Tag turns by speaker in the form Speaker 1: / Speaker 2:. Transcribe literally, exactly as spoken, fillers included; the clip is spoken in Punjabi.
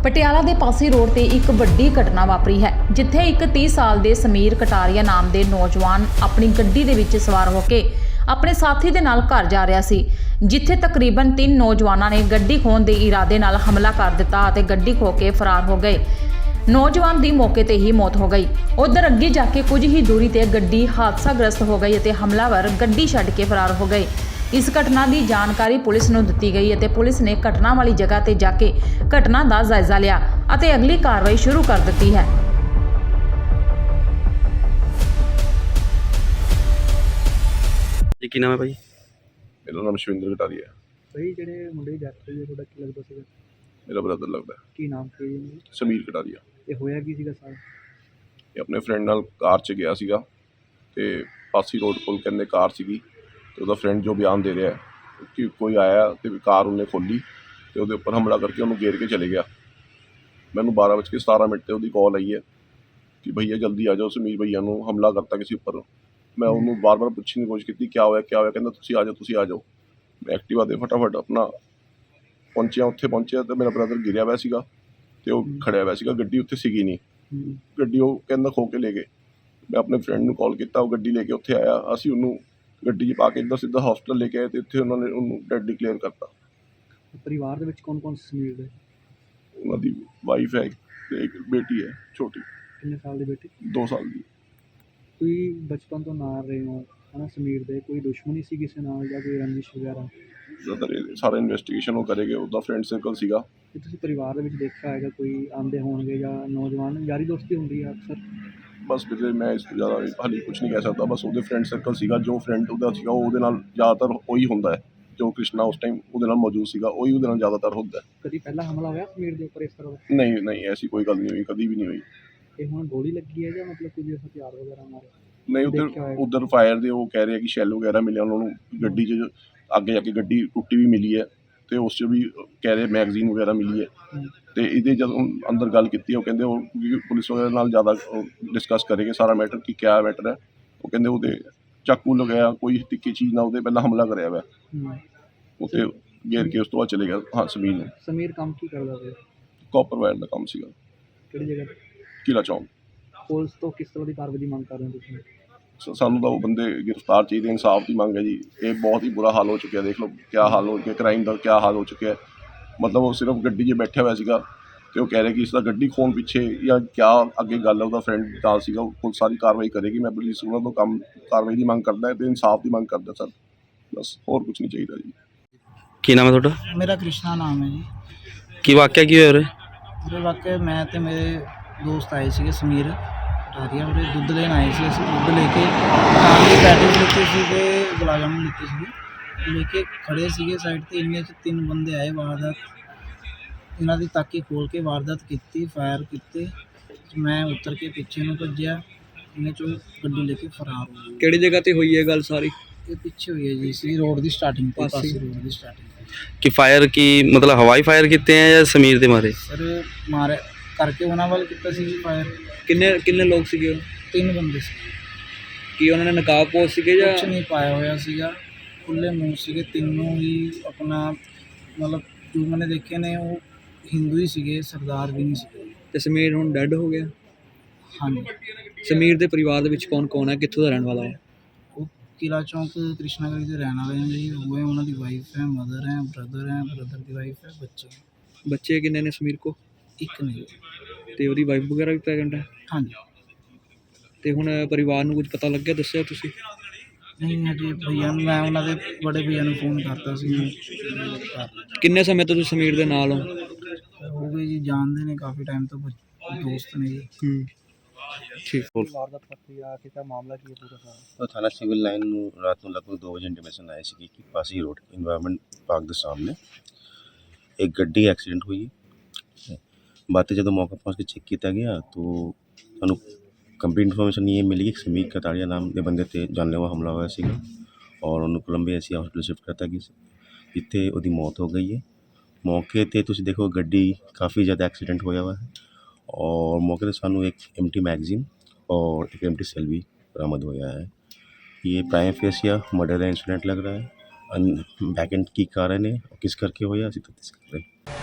Speaker 1: ਪਟਿਆਲਾ ਦੇ ਪਾਸੀ ਰੋਡ ਤੇ ਇੱਕ ਵੱਡੀ ਘਟਨਾ ਵਾਪਰੀ ਹੈ, ਜਿੱਥੇ ਇੱਕ ਤੀਹ ਸਾਲ ਦੇ ਸਮੀਰ ਕਟਾਰੀਆ ਨਾਮ ਦੇ ਨੌਜਵਾਨ ਆਪਣੀ ਗੱਡੀ ਦੇ ਵਿੱਚ ਸਵਾਰ ਹੋ ਕੇ ਆਪਣੇ ਸਾਥੀ ਦੇ ਨਾਲ ਘਰ ਜਾ ਰਿਹਾ ਸੀ, ਜਿੱਥੇ ਤਕਰੀਬਨ ਤਿੰਨ ਨੌਜਵਾਨਾਂ ਨੇ ਗੱਡੀ ਖੋਹਣ ਦੇ ਇਰਾਦੇ ਨਾਲ ਹਮਲਾ ਕਰ ਦਿੱਤਾ ਅਤੇ ਗੱਡੀ ਖੋਹ ਕੇ ਫਰਾਰ ਹੋ ਗਏ। ਨੌਜਵਾਨ ਦੀ ਮੌਕੇ ਤੇ ਹੀ ਮੌਤ ਹੋ ਗਈ। ਉਧਰ ਅੱਗੇ ਜਾ ਕੇ ਕੁਝ ਹੀ ਦੂਰੀ ਤੇ ਗੱਡੀ ਹਾਦਸਾਗ੍ਰਸਤ ਹੋ ਗਈ ਅਤੇ ਹਮਲਾਵਰ ਗੱਡੀ ਛੱਡ ਕੇ ਫਰਾਰ ਹੋ ਗਏ। ਇਸ ਘਟਨਾ ਦੀ ਜਾਣਕਾਰੀ ਪੁਲਿਸ ਨੂੰ ਦਿੱਤੀ ਗਈ ਅਤੇ ਪੁਲਿਸ ਨੇ ਘਟਨਾ ਵਾਲੀ ਜਗ੍ਹਾ ਤੇ ਜਾ ਕੇ ਘਟਨਾ ਦਾ ਜਾਇਜ਼ਾ ਲਿਆ ਅਤੇ ਅਗਲੀ ਕਾਰਵਾਈ ਸ਼ੁਰੂ ਕਰ ਦਿੱਤੀ ਹੈ।
Speaker 2: ਜੀ ਕੀ ਨਾਮ ਹੈ ਭਾਈ?
Speaker 3: ਮੇਰਾ ਨਾਮ ਸ਼ਵਿੰਦਰ ਕਟਾਰੀਆ ਹੈ।
Speaker 4: ਭਾਈ ਜਿਹੜੇ ਮੁੰਡੇ ਦੀ ਡੈਥ ਹੋਈ ਹੈ, ਤੁਹਾਡਾ ਕੀ ਲੱਗਦਾ ਸੀਗਾ?
Speaker 3: ਮੇਰਾ ਬ੍ਰਦਰ ਲੱਗਦਾ ਹੈ,
Speaker 4: ਕੀ ਨਾਮ ਸੀ ਜੀ?
Speaker 3: ਸਮੀਰ ਕਟਾਰੀਆ।
Speaker 4: ਇਹ ਹੋਇਆ ਕੀ ਸੀਗਾ ਸਾਰਾ?
Speaker 3: ਇਹ ਆਪਣੇ ਫਰੈਂਡ ਨਾਲ ਕਾਰ 'ਚ ਗਿਆ ਸੀਗਾ ਤੇ ਪਾਸੀ ਰੋਡ ਕੋਲ ਕਹਿੰਦੇ ਕਾਰ ਸੀਗੀ ਤੇ ਉਹਦਾ ਫਰੈਂਡ ਜੋ ਬਿਆਨ ਦੇ ਰਿਹਾ ਕਿ ਕੋਈ ਆਇਆ ਤੇ ਕਾਰ ਉਹਨੇ ਖੋਲ੍ਹੀ ਤੇ ਉਹਦੇ ਉੱਪਰ ਹਮਲਾ ਕਰਕੇ ਉਹਨੂੰ ਘੇਰ ਕੇ ਚਲੇ ਗਿਆ। ਮੈਨੂੰ ਬਾਰਾਂ ਵੱਜ ਕੇ ਸਤਾਰਾਂ ਮਿੰਟ 'ਤੇ ਉਹਦੀ ਕਾਲ ਆਈ ਹੈ ਕਿ ਭਈਆ ਜਲਦੀ ਆ ਜਾਓ, ਸਮੀਰ ਭਈਆ ਨੂੰ ਹਮਲਾ ਕਰਤਾ ਕਿਸੇ ਉੱਪਰ। ਮੈਂ ਉਹਨੂੰ ਬਾਰ ਬਾਰ ਪੁੱਛਣ ਦੀ ਕੋਸ਼ਿਸ਼ ਕੀਤੀ ਕਿਆ ਹੋਇਆ ਕਿਆ ਹੋਇਆ, ਕਹਿੰਦਾ ਤੁਸੀਂ ਆ ਜਾਓ ਤੁਸੀਂ ਆ ਜਾਓ। ਮੈਂ ਐਕਟਿਵਾ 'ਤੇ ਫਟਾਫਟ ਆਪਣਾ ਪਹੁੰਚਿਆ, ਉੱਥੇ ਪਹੁੰਚਿਆ ਤੇ ਮੇਰਾ ਬ੍ਰਦਰ ਗਿਰਿਆ ਹੋਇਆ ਸੀਗਾ ਤੇ ਉਹ ਖੜਿਆ ਹੋਇਆ ਸੀਗਾ। ਗੱਡੀ ਉੱਥੇ ਸੀਗੀ ਨਹੀਂ, ਗੱਡੀ ਉਹ ਕਹਿੰਦਾ ਖੋ ਕੇ ਲੈ ਗਏ। ਮੈਂ ਆਪਣੇ ਫਰੈਂਡ ਨੂੰ ਕਾਲ ਕੀਤਾ, ਉਹ ਗੱਡੀ ਲੈ ਕੇ ਉੱਥੇ ਆਇਆ। ਅਸੀਂ ਉਹਨੂੰ ਗੱਡੀ 'ਚ ਪਾ ਕੇ ਇੱਦਾਂ ਸਿੱਧਾ ਹਸਪਤਾਲ ਲੈ ਕੇ ਆਏ ਤੇ ਇੱਥੇ ਉਹਨਾਂ ਨੇ ਉਹਨੂੰ ਡੈਡ ਡਿਕਲੇਅਰ ਕਰਤਾ।
Speaker 4: ਪਰਿਵਾਰ ਦੇ ਵਿੱਚ ਕੌਣ ਕੌਣ ਸਮੀਰ ਦੇ?
Speaker 3: ਉਹਨਾਂ ਦੀ ਵਾਈਫ ਹੈ ਤੇ ਇੱਕ ਬੇਟੀ ਹੈ ਛੋਟੀ,
Speaker 4: ਕਿੰਨੇ ਸਾਲ ਦੀ ਬੇਟੀ?
Speaker 3: ਦੋ ਸਾਲ ਦੀ।
Speaker 4: ਕੋਈ ਬਚਪਨ ਤੋਂ ਨਾਲ ਰਹੇ ਹੋ ਹੈ ਨਾ ਸਮੀਰ ਦੇ? ਕੋਈ ਦੁਸ਼ਮਣੀ ਸੀ ਕਿਸੇ ਨਾਲ ਜਾਂ ਕੋਈ ਰੰਜਿਸ਼ ਵਗੈਰਾ?
Speaker 3: ਜ਼ਿਆਦਾਤਰ ਇਹ ਸਾਰਾ ਇਨਵੈਸਟੀਗੇਸ਼ਨ ਉਹ ਕਰੇਗੇ। ਉਹਦਾ ਫਰੈਂਡ ਸਰਕਲ ਸੀਗਾ।
Speaker 4: ਕਿ ਤੁਸੀਂ ਪਰਿਵਾਰ ਦੇ ਵਿੱਚ ਦੇਖਿਆ ਹੈਗਾ ਕੋਈ ਆਉਂਦੇ ਹੋਣਗੇ ਜਾਂ ਨੌਜਵਾਨ ਯਾਰੀ ਦੋਸਤੀ ਹੁੰਦੀ ਹੈ ਅਕਸਰ?
Speaker 3: ਬਸ ਵੀਰੇ ਮੈਂ ਇਸ ਤੋਂ ਜ਼ਿਆਦਾ ਹਾਲੇ ਕੁਛ ਨਹੀਂ ਕਹਿ ਸਕਦਾ। ਬਸ ਉਹਦੇ ਫਰੈਂਡ ਸਰਕਲ ਸੀਗਾ, ਜੋ ਫਰੈਂਡ ਉਹਦਾ ਸੀਗਾ ਉਹ ਉਹਦੇ ਨਾਲ ਜ਼ਿਆਦਾਤਰ ਉਹੀ ਹੁੰਦਾ ਹੈ। ਜੋ ਕ੍ਰਿਸ਼ਨਾ ਉਸ ਟਾਈਮ ਉਹਦੇ ਨਾਲ ਮੌਜੂਦ ਸੀਗਾ ਉਹੀ ਉਹਦੇ ਨਾਲ ਜ਼ਿਆਦਾਤਰ ਹੁੰਦਾ ਹੈ।
Speaker 4: ਕਦੀ ਪਹਿਲਾਂ ਹਮਲਾ ਹੋਇਆ ਸਮੀਰ ਦੇ ਉੱਪਰ ਇਸ ਤਰ੍ਹਾਂ ਦਾ?
Speaker 3: ਨਹੀਂ ਨਹੀਂ ਐਸੀ ਕੋਈ ਗੱਲ ਨਹੀਂ ਹੋਈ, ਕਦੀ ਵੀ ਨਹੀਂ ਹੋਈ।
Speaker 4: ਤੇ ਹੁਣ ਗੋਲੀ ਲੱਗੀ ਹੈ ਜਾਂ ਮਤਲਬ ਕੁਝ ਹਥਿਆਰ ਵਗੈਰਾ ਮਾਰੇ?
Speaker 3: ਨਹੀਂ ਉੱਧਰ ਉੱਧਰ ਫਾਇਰ ਦੇ ਉਹ ਕਹਿ ਰਹੇ ਕਿ ਸ਼ੈਲ ਵਗੈਰਾ ਮਿਲਿਆ ਉਹਨਾਂ ਨੂੰ। ਗੱਡੀ 'ਚ ਅੱਗੇ ਜਾ ਕੇ ਗੱਡੀ ਟੁੱਟੀ ਵੀ ਮਿਲੀ ਹੈ ਅਤੇ ਉਸ 'ਚ ਵੀ ਕਹਿ ਰਹੇ ਮੈਗਜ਼ੀਨ ਵਗੈਰਾ ਮਿਲੀ ਹੈ। ਅਤੇ ਇਹਦੇ ਜਦੋਂ ਅੰਦਰ ਗੱਲ ਕੀਤੀ ਉਹ ਕਹਿੰਦੇ ਉਹ ਪੁਲਿਸ ਵਗੈਰਾ ਨਾਲ ਜ਼ਿਆਦਾ ਡਿਸਕਸ ਕਰੇਗੇ ਸਾਰਾ ਮੈਟਰ ਕਿ ਕਿਆ ਮੈਟਰ ਹੈ। ਉਹ ਕਹਿੰਦੇ ਉਹਦੇ ਚਾਕੂ ਲਗਾਇਆ ਕੋਈ ਤਿੱਖੀ ਚੀਜ਼ ਨਾਲ ਉਹਦੇ ਪਹਿਲਾਂ ਹਮਲਾ ਕਰਿਆ ਹੋਇਆ, ਉੱਥੇ ਘੇਰ ਕੇ ਉਸ ਤੋਂ ਬਾਅਦ ਚਲੇ ਗਿਆ। ਹਾਂ ਸਮੀਰ ਨੂੰ।
Speaker 4: ਸਮੀਰ ਕੰਮ ਕੀ ਕਰਦਾ ਸੀ?
Speaker 3: ਕਾਪਰ ਵਾਇਰ ਦਾ ਕੰਮ ਸੀਗਾ।
Speaker 4: ਕਿਹੜੀ ਜਗ੍ਹਾ?
Speaker 3: ਕਿਲਾ ਚੌਂਕ।
Speaker 4: ਪੁਲਿਸ ਤੋਂ ਕਿਸ ਤਰ੍ਹਾਂ ਦੀ ਕਾਰਵਾਈ ਦੀ ਮੰਗ ਕਰ ਰਹੇ ਹੋ ਤੁਸੀਂ?
Speaker 3: ਸ- ਸਾਨੂੰ ਤਾਂ ਉਹ ਬੰਦੇ ਗ੍ਰਿਫਤਾਰ ਚਾਹੀਦੇ, ਇਨਸਾਫ ਦੀ ਮੰਗ ਹੈ ਜੀ। ਇਹ ਬਹੁਤ ਹੀ ਬੁਰਾ ਹਾਲ ਹੋ ਚੁੱਕਿਆ, ਦੇਖ ਲਓ ਕਿਆ ਹਾਲ ਹੋ ਗਿਆ, ਕ੍ਰਾਈਮ ਦਾ ਕਿਆ ਹਾਲ ਹੋ ਚੁੱਕਿਆ। ਮਤਲਬ ਉਹ ਸਿਰਫ ਗੱਡੀ 'ਚ ਬੈਠਿਆ ਹੋਇਆ ਸੀਗਾ ਅਤੇ ਉਹ ਕਹਿ ਰਿਹਾ ਕਿ ਇਸ ਦਾ ਗੱਡੀ ਖੋਹਣ ਪਿੱਛੇ ਜਾਂ ਕਿਆ ਅੱਗੇ ਗੱਲ ਹੈ। ਉਹਦਾ ਫਰੈਂਡ ਨਾਲ ਸੀਗਾ, ਉਹ ਪੁਲਿਸ ਸਾਰੀ ਕਾਰਵਾਈ ਕਰੇਗੀ। ਮੈਂ ਪੁਲਿਸ ਉਹਨਾਂ ਤੋਂ ਕੰਮ ਕਾਰਵਾਈ ਦੀ ਮੰਗ ਕਰਦਾ ਅਤੇ ਇਨਸਾਫ ਦੀ ਮੰਗ ਕਰਦਾ ਸਰ, ਬਸ ਹੋਰ ਕੁਛ ਨਹੀਂ ਚਾਹੀਦਾ ਜੀ।
Speaker 2: ਕੀ ਨਾਮ ਹੈ ਤੁਹਾਡਾ?
Speaker 5: ਮੇਰਾ ਕ੍ਰਿਸ਼ਨਾ ਨਾਮ ਹੈ ਜੀ।
Speaker 2: ਕੀ ਵਾਕਿਆ ਕੀ ਹੋਇਆ ਉਰੇ?
Speaker 5: ਉਹਦੇ ਵਾਕਿਆ ਮੈਂ ਤੇ ਮੇਰੇ ਦੋਸਤ ਆਏ ਸੀਗੇ ਸਮੀਰ ਕਟਾਰੀਆ, ਉਹਦੇ ਦੁੱਧ ਲੈਣ ਆਏ ਸੀ। ਅਸੀਂ ਦੁੱਧ ਲੈ ਕੇ ਨਾਲ ਦੀ ਪੈਟੀਜ਼ ਲਿੱਤੇ ਸੀਗੇ, ਗੁਲਾਬ ਜਾਮੁਨ ਲਿੱਤੇ ਸੀਗੇ, ਲੈ ਕੇ ਖੜ੍ਹੇ ਸੀਗੇ ਸਾਈਡ 'ਤੇ। ਇੰਨੇ 'ਚ ਤਿੰਨ ਬੰਦੇ ਆਏ, ਵਾਰਦਾਤ ਇਹਨਾਂ ਦੀ ਤਾਕੀ ਖੋਲ੍ਹ ਕੇ ਵਾਰਦਾਤ ਕੀਤੀ, ਫਾਇਰ ਕੀਤੇ। ਮੈਂ ਉੱਤਰ ਕੇ ਪਿੱਛੇ ਨੂੰ ਭੱਜਿਆ, ਇਹਨੇ 'ਚੋਂ ਗੱਡੀ ਲੈ ਕੇ ਫਰਾਰ ਹੋ ਗਏ।
Speaker 2: ਕਿਹੜੀ ਜਗ੍ਹਾ ਤੇ ਹੋਈ ਹੈ ਗੱਲ ਸਾਰੀ?
Speaker 5: ਇਹ ਪਿੱਛੇ ਹੋਈ ਹੈ ਜੀ, ਸੀ ਰੋਡ ਦੀ ਸਟਾਰਟਿੰਗ 'ਤੇ, ਪਾਸੀ ਰੋਡ ਦੀ ਸਟਾਰਟਿੰਗ 'ਤੇ।
Speaker 2: ਕਿ ਫਾਇਰ ਕੀ ਮਤਲਬ ਹਵਾਈ ਫਾਇਰ ਕੀਤੇ ਹੈ ਜਾਂ ਸਮੀਰ ਦੇ ਮਾਰੇ?
Speaker 5: ਸਰ ਮਾਰੇ ਕਰਕੇ ਉਹਨਾਂ ਵੱਲ ਕੀਤਾ ਸੀ ਜੀ ਫਾਇਰ।
Speaker 2: ਕਿੰਨੇ ਕਿੰਨੇ ਲੋਕ ਸੀਗੇ ਉਹ?
Speaker 5: ਤਿੰਨ ਬੰਦੇ ਸੀ।
Speaker 2: ਕੀ ਉਹਨਾਂ ਨੇ ਨਕਾਬ ਪੋਸ਼ ਸੀਗੇ ਜਾਂ?
Speaker 5: ਕੁਛ ਨਹੀਂ ਪਾਇਆ ਹੋਇਆ ਸੀਗਾ, ਖੁੱਲ੍ਹੇ ਮੂੰਹ ਸੀਗੇ ਤਿੰਨੋਂ ਹੀ। ਆਪਣਾ ਮਤਲਬ ਜੋ ਮੈंने ਦੇਖੇ ਨੇ ਉਹ ਹਿੰਦੂ ਹੀ ਸੀਗੇ, ਸਰਦਾਰ ਵੀ ਨਹੀਂ ਸੀਗੇ।
Speaker 2: ਤੇ ਸਮੀਰ ਹੁਣ ਡੈੱਡ ਹੋ ਗਿਆ?
Speaker 5: ਹਾਂਜੀ।
Speaker 2: ਸਮੀਰ ਦੇ ਪਰਿਵਾਰ ਦੇ ਵਿੱਚ ਕੌਣ ਕੌਣ ਹੈ, ਕਿੱਥੋਂ ਦਾ ਰਹਿਣ ਵਾਲਾ ਹੈ?
Speaker 5: ਉਹ ਕਿਲਾ ਚੌਂਕ ਕ੍ਰਿਸ਼ਨਾ ਗਲੀ ਦੇ ਰਹਿਣ ਵਾਲੇ ਨੇ ਜੀ। ਉਹ ਹੈ, ਉਹਨਾਂ ਦੀ ਵਾਈਫ ਹੈ, ਮਦਰ ਹੈ, ਬ੍ਰਦਰ ਹੈ, ਬ੍ਰਦਰ ਦੀ ਵਾਈਫ ਹੈ, ਬੱਚੇ।
Speaker 2: ਬੱਚੇ ਕਿੰਨੇ ਨੇ ਸਮੀਰ ਕੋ?
Speaker 5: ਇੱਕ ਨਹੀਂ।
Speaker 2: ਤੇ ਉਹਦੀ ਵਾਈਫ ਵਗੈਰਾ ਵੀ ਪ੍ਰੈਗਨੈਂਟ ਹੈ?
Speaker 5: ਹਾਂਜੀ।
Speaker 2: ਤੇ ਹੁਣ ਪਰਿਵਾਰ ਨੂੰ ਕੁਝ ਪਤਾ ਲੱਗਿਆ, ਦੱਸਿਆ ਤੁਸੀਂ?
Speaker 5: ਨਹੀਂ ਹਜੇ ਭਈਆ ਨੂੰ, ਮੈਂ ਉਹਨਾਂ ਦੇ ਬੜੇ ਭਈਆ ਨੂੰ ਫੋਨ ਕਰਤਾ ਸੀ।
Speaker 2: ਕਿੰਨੇ ਸਮੇਂ ਤੋਂ ਤੁਸੀਂ ਸਮੀਰ ਦੇ ਨਾਲ ਹੋ?
Speaker 5: ਹੋ ਗਏ ਜੀ, ਜਾਣਦੇ ਨੇ ਕਾफ़ी टाइम ਤੋਂ, ਦੋਸਤ ਨੇ ਜੀ।
Speaker 2: ਹੂੰ ਠੀਕ।
Speaker 4: ਵਾਰਦਾਤ ਪੱਤੀ ਆ ਕੇ ਤਾਂ ਮਾਮਲਾ ਕੀ ਹੈ ਪੂਰਾ ਸਾਰਾ?
Speaker 6: ਤਾਂ ਥਾਣਾ ਸਿਵਲ ਲਾਈਨ ਨੂੰ ਰਾਤ ਨੂੰ ਲਗਭਗ ਦੋ ਵਜੇ ਇੰਟੀਮੇਸ਼ਨ ਆਈ ਸੀ ਕਿ ਪਾਸੀ ਰੋਡ ਇਨਵਾਇਰਮੈਂਟ ਪਾਰਕ ਦੇ ਸਾਹਮਣੇ ਇੱਕ ਗੱਡੀ ਐਕਸੀਡੈਂਟ ਹੋਈ ਹੈ। ਬਾਅਦ ਜਦੋਂ ਮੌਕੇ ਪਹੁੰਚ ਕੇ ਚੈੱਕ ਕੀਤਾ ਗਿਆ ਤਾਂ ਸਾਨੂੰ ਕੰਪਲੀਟ ਇਨਫੋਰਮੇਸ਼ਨ ਇਹ ਮਿਲੀ ਕਿ ਸਮੀਰ ਕਟਾਰੀਆ ਨਾਮ ਦੇ ਬੰਦੇ 'ਤੇ ਜਾਨਲੇਵਾ ਹਮਲਾ ਹੋਇਆ ਸੀਗਾ ਔਰ ਉਹਨੂੰ ਕੋਲੰਬੀਆ ਅਸੀਂ ਹਸਪਤਾਲ ਸ਼ਿਫਟ ਕਰਤਾ ਗਿਆ ਸੀ, ਜਿੱਥੇ ਉਹਦੀ ਮੌਤ ਹੋ ਗਈ ਹੈ। ਮੌਕੇ 'ਤੇ ਤੁਸੀਂ ਦੇਖੋ ਗੱਡੀ ਕਾफ़ੀ ज़्यादा एक्सीडेंट होया हुआ है और मौके पर सानू एक एम्प्टी मैगजीन और एक एम्प्टी सेल भी बरामद होया है। ये प्राइम फेसिया मर्डर का इंसिडेंट लग रहा है। बैक एंड की कारण है और किस करके होया असीं तफ्तीश कर रहे हैं।